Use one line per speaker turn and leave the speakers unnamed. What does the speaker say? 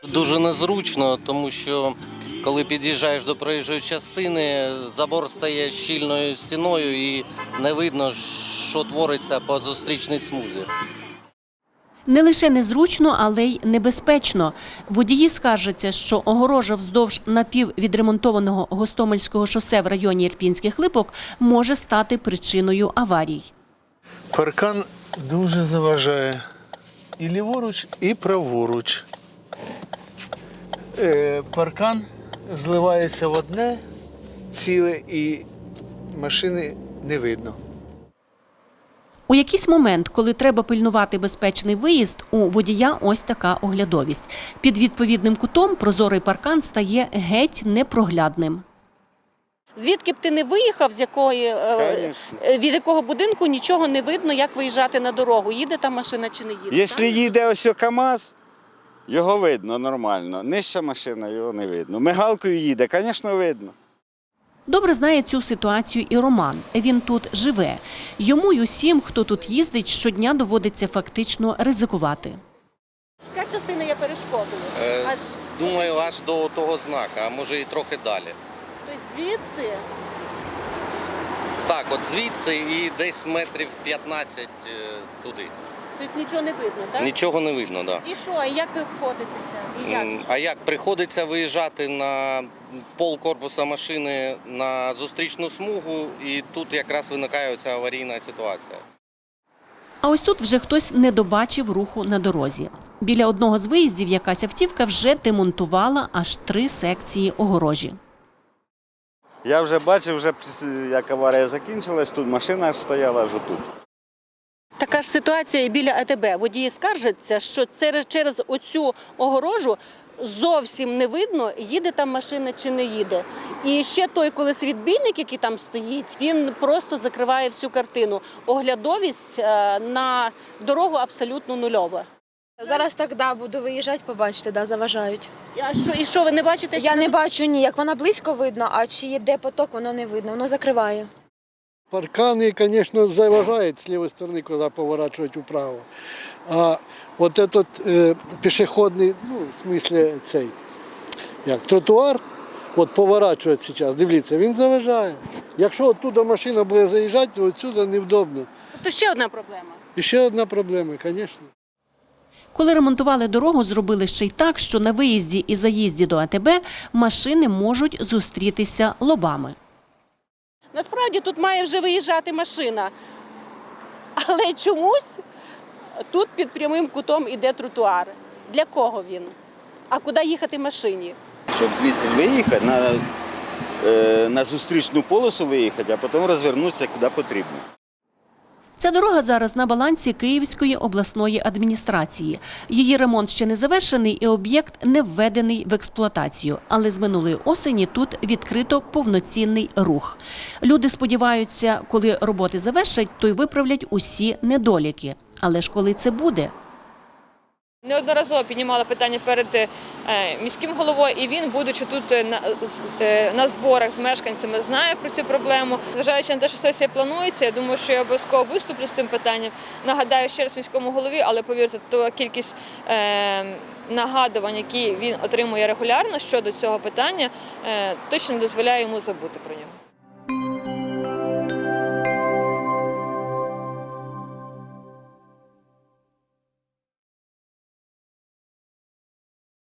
Дуже незручно, тому що коли під'їжджаєш до проїжджої частини, забор стає щільною стіною і не видно, що твориться по зустрічній смузі.
Не лише незручно, але й небезпечно. Водії скаржаться, що огорожа вздовж напіввідремонтованого Гостомельського шосе в районі Ірпінських Липок може стати причиною аварій.
Паркан дуже заважає і ліворуч, і праворуч. Паркан зливається в одне ціле і машини не видно.
У якийсь момент, коли треба пильнувати безпечний виїзд, у водія ось така оглядовість. Під відповідним кутом прозорий паркан стає геть непроглядним.
Звідки б ти не виїхав, від якого будинку, нічого не видно, як виїжджати на дорогу. Їде та машина чи не їде.
Якщо їде ось КАМАЗ, його видно нормально. Нижча машина, його не видно. Мигалкою їде, звісно, видно.
Добре знає цю ситуацію і Роман. Він тут живе. Йому й усім, хто тут їздить, щодня доводиться фактично ризикувати.
Яка частина є перешкодою?
Думаю, аж до того знака, а може і трохи далі.
Тобто звідси?
Так, от звідси і десь метрів 15 туди.
Тобто нічого не видно, так?
Нічого не видно, так.
І що? І як ви обходитеся?
А як? Приходиться виїжджати на пол корпуса машини на зустрічну смугу, і тут якраз виникає ця аварійна ситуація.
А ось тут вже хтось не добачив руху на дорозі. Біля одного з виїздів якась автівка вже демонтувала аж 3 секції огорожі.
Я вже бачив, як аварія закінчилась, тут машина аж стояла аж отут.
Така ж ситуація і біля АТБ. Водії скаржаться, що через оцю огорожу зовсім не видно, їде там машина чи не їде. І ще той колесовідбійник, який там стоїть, він просто закриває всю картину. Оглядовість на дорогу абсолютно нульова.
Зараз так, буду виїжджати, побачите, заважають.
І що, ви не бачите?
Я не бачу ні, як вона близько видно, а чи йде поток, воно не видно, воно закриває.
Парканы, конечно, заважают с левой стороны, когда поворачивать вправо. А вот этот пешеходный, в смысле тротуар, от поворачивать сейчас, дивіться, він заважає. Якщо оттуда машина буде заїжджати, то отсюда невдобно.
То ще одна проблема.
І ще одна проблема, звісно.
Коли ремонтували дорогу, зробили ще й так, що на виїзді і заїзді до АТБ машини можуть зустрітися лобами.
Насправді тут має вже виїжджати машина, але чомусь тут під прямим кутом іде тротуар. Для кого він? А куди їхати машині?
Щоб звідси виїхати, на зустрічну полосу виїхати, а потім розвернутися куди потрібно.
Ця дорога зараз на балансі Київської обласної адміністрації. Її ремонт ще не завершений і об'єкт не введений в експлуатацію. Але з минулої осені тут відкрито повноцінний рух. Люди сподіваються, коли роботи завершать, то й виправлять усі недоліки. Але ж коли це буде?
Неодноразово піднімала питання перед міським головою, і він, будучи тут на зборах з мешканцями, знає про цю проблему. Зважаючи на те, що сесія планується, я думаю, що я обов'язково виступлю з цим питанням. Нагадаю ще раз міському голові, але повірте, то кількість нагадувань, які він отримує регулярно щодо цього питання, точно не дозволяє йому забути про нього.